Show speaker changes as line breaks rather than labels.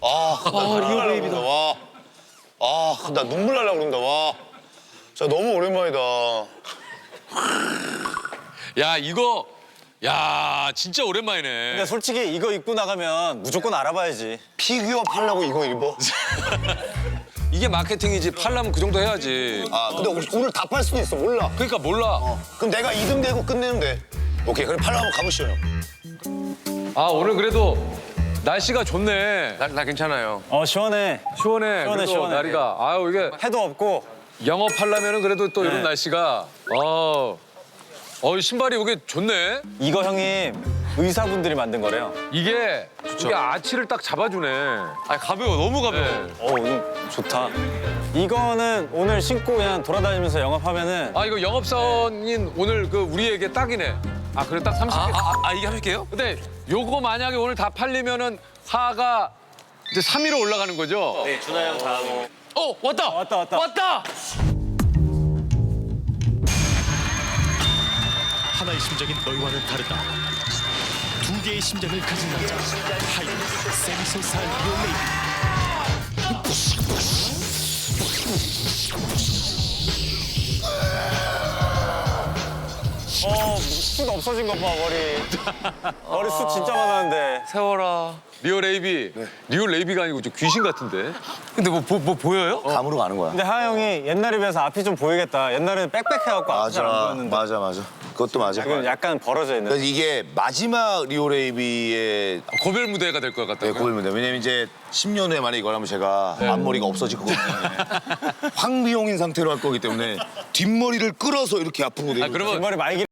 리오 베이비다. 와. 나 눈물 날라 그런다. 와. 진짜 너무 오랜만이다.
야, 이거 야, 진짜 오랜만이네.
근데 솔직히 이거 입고 나가면 무조건 알아봐야지.
피규어 팔라고 이거 입어?
이게 마케팅이지. 팔려면 그 정도 해야지.
근데 오늘 다 팔 수도 있어. 몰라.
그러니까 몰라.
그럼 내가 2등 되고 끝내면 돼. 오케이, 그럼 팔러 한번 가보시죠.
오늘 그래도 날씨가 좋네.
나 괜찮아요.
시원해.
시원해. 그래도
시원해.
날이가. 이게
해도 없고.
영업하려면은 그래도 또 이런 날씨가. 신발이 이게 좋네.
이거 형님 의사분들이 만든 거래요.
이게 아치를 딱 잡아주네.
가벼워, 너무 가벼워.
네.
이거 좋다. 이거는 오늘 신고 그냥 돌아다니면서 영업하면은
이거 영업사원인 오늘 그 우리에게 딱이네. 그래 딱 30개.
이게 하실게요?
근데 요거 만약에 오늘 다 팔리면은 화가 이제 3위로 올라가는 거죠?
네, 준하 형 다음.
왔다.
왔다.
하나의 심장인 너희와는 다르다. 두 개의 심장을 가진 남자 하이 세미소살 리오 레이비.
숱 없어진 것 봐, 머리. 머리 숱 진짜 많았는데.
세워라.
리오 레이비. 리오 레이비가 아니고 좀 귀신 같은데.
근데 뭐 보여요?
감으로 가는 거야.
근데 하하 형이 옛날에 비해서 앞이 좀 보이겠다. 옛날에는 빽빽해갖고 앞이 잘 안 보였는데.
맞아. 그것도 맞아.
지금 약간 벌어져 있는.
그래서 이게 마지막 리오레이비의
고별 무대가 될 것 같다고요?
고백입니다. 왜냐면 이제 10년 후에 만약에 이걸 하면 제가 앞머리가 없어질 거거든요. 황비용인 상태로 할 거기 때문에 뒷머리를 끌어서 이렇게 아픈 거예요.
그러면
머리 많이